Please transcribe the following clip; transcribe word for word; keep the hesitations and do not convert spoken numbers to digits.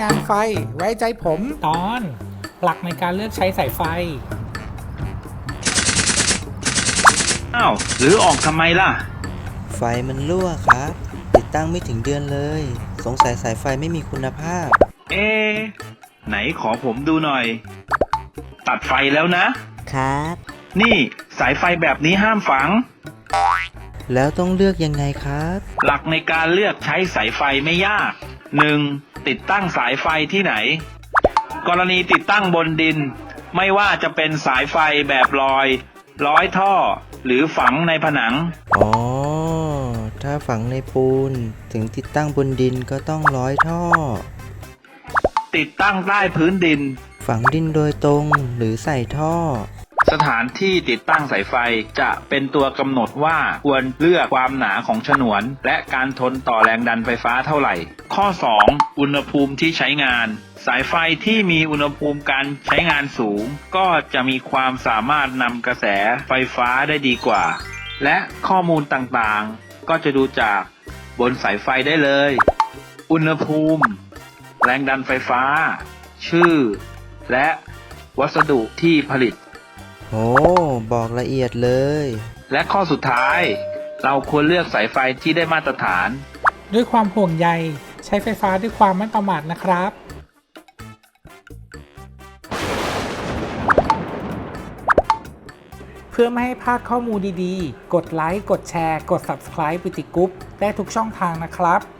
านไฟไว้ใจผมตอนหลักในการเลือกใช้สายไฟอ้าวหรือออกทำไมล่ะไฟมันรั่วครับติดตั้งไม่ถึงเดือนเลยสงสัยสายไฟไม่มีคุณภาพเอ๊ะไหนขอผมดูหน่อย ตัดไฟแล้วนะครับนี่สายไฟแบบนี้ห้ามฝังแล้วต้องเลือกยังไงครับหลักในการเลือกใช้สายไฟไม่ยาก หนึ่ง ติดตั้งสายไฟที่ไหนกรณีติดตั้งบนดินไม่ว่าจะเป็นสายไฟแบบลอยร้อยท่อหรือฝังในผนังอ๋อถ้าฝังในปูนถึงติดตั้งบนดินก็ต้องร้อยท่อติดตั้งใต้พื้นดินฝังดินโดยตรงหรือใส่ท่อสถานที่ติดตั้งสายไฟจะเป็นตัวกำหนดว่าควรเลือกความหนาของฉนวนและการทนต่อแรงดันไฟฟ้าเท่าไหร่ข้อสองอุณหภูมิที่ใช้งานสายไฟที่มีอุณหภูมิการใช้งานสูงก็จะมีความสามารถนำกระแสไฟฟ้าได้ดีกว่าและข้อมูลต่างๆก็จะดูจากบนสายไฟได้เลยอุณหภูมิแรงดันไฟฟ้าชื่อและวัสดุที่ผลิตโอ้บอกละเอียดเลยและข้อสุดท้ายเราควรเลือกสายไฟที่ได้มาตรฐานด้วยความห่วงใยใช้ไฟฟ้าด้วยความไม่ประมาทนะครับเพื่อไม่ให้พลาดข้อมูลดีๆกดไลค์กดแชร์กด ซับสไครบ์ ปิติกรุ๊ปได้ทุกช่องทางนะครับ